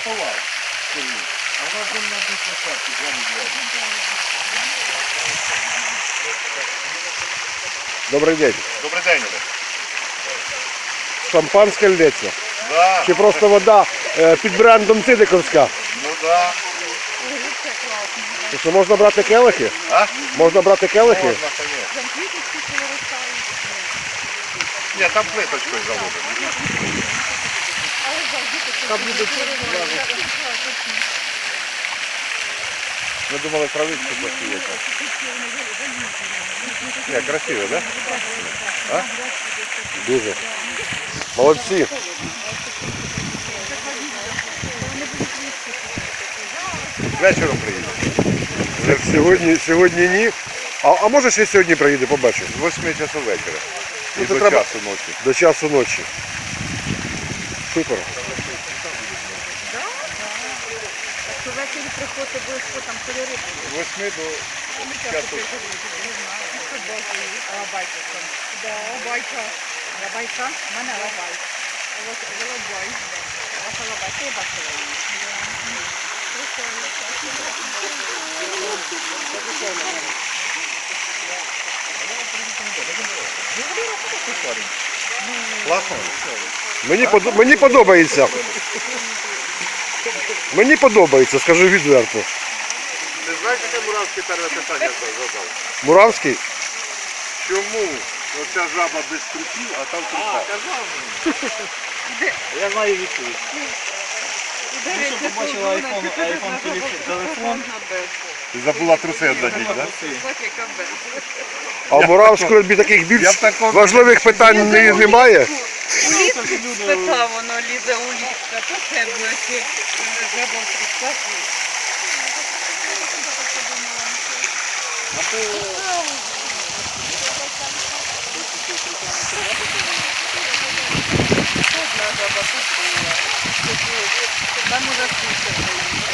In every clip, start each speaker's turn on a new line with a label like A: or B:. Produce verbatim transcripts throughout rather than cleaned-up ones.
A: заховав. А у нас там на одній площадці двері.
B: Добрий день.
A: Добрий день, Олег.
B: Шампанське лється?
A: Да.
B: Чи просто вода е, під брендом Цидиковська?
A: Ну да.
B: То що, можна брати келихи?
A: А?
B: Можна брати келихи?
A: Можна, конечно. Ні, там плиточкою заложено.
B: Там буде
A: Ми думали, травичку посіяти. Ні, красиво, да? А?
B: Дуже. Молодці.
A: Вечором приїдемо.
B: Сьогодні, сьогодні ні. А, а може ще сьогодні приїде, побачу.
A: З восьми часу вечора.
B: Ну,
A: І
B: це
A: до
B: треба-
A: часу ночі.
B: До часу ночі. Супер.
C: Якщо ввечері приходити, обов'язково там кольори будуть.
A: З восьми до часу.
C: Лабайка. Да, лабайка. Лабайка? У мене лабайка. Лабай. Ваша лабайка, я бачила її.
A: Класно?
B: Мені, под... Мені подобається. Мені подобається, скажу відверто.
A: Ти знаєш, яке Муравське перше питання задав?
B: Муравський?
A: Чому оця жаба без трупів, а там трупа?
D: Я знаю відповідь. Ви що побачили айфон, айфон телефон?
A: Ти забула труси одягнути, так?
B: А в Муравському тобі таких більш
A: Я б такого-
B: важливих питань не- немає?
C: Спитав, воно лізе у ліжка, то це буде жаба в трусах. Одна жаба тут була. Там уже сушить.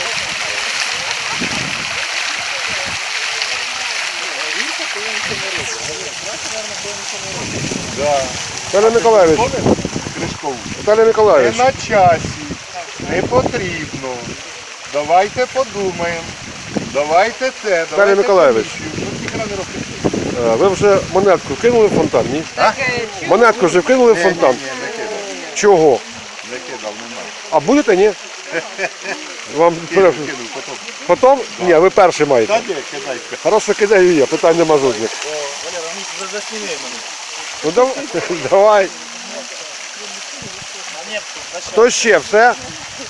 A: Да.
B: Віталій Миколаївич,
A: Кришкову.
B: Віталій
A: Не
B: Миколаївич,
A: на часі, не потрібно. Давайте подумаємо. Давайте це, давайте
B: Миколаївич.
A: комісію. Що ніхера не робити?
B: е, ви вже монетку вкинули в фонтан, ні?
C: Таке
B: Монетку вже вкинули в
A: Ні,
B: фонтан?
A: ні, ні, не кидав.
B: Чого?
A: Не кидав, нема.
B: А будете, ні? Вам
A: Кинув, кинув, потім.
B: потім? Ні, ви перший
A: Та
B: маєте.
A: ні, кидайте.
B: Хорошо, кидаю я, питань нема жодних.
D: Валера, ну засніми мене.
B: Ну дав- давай.
D: А ні,
B: Хто ще? Все?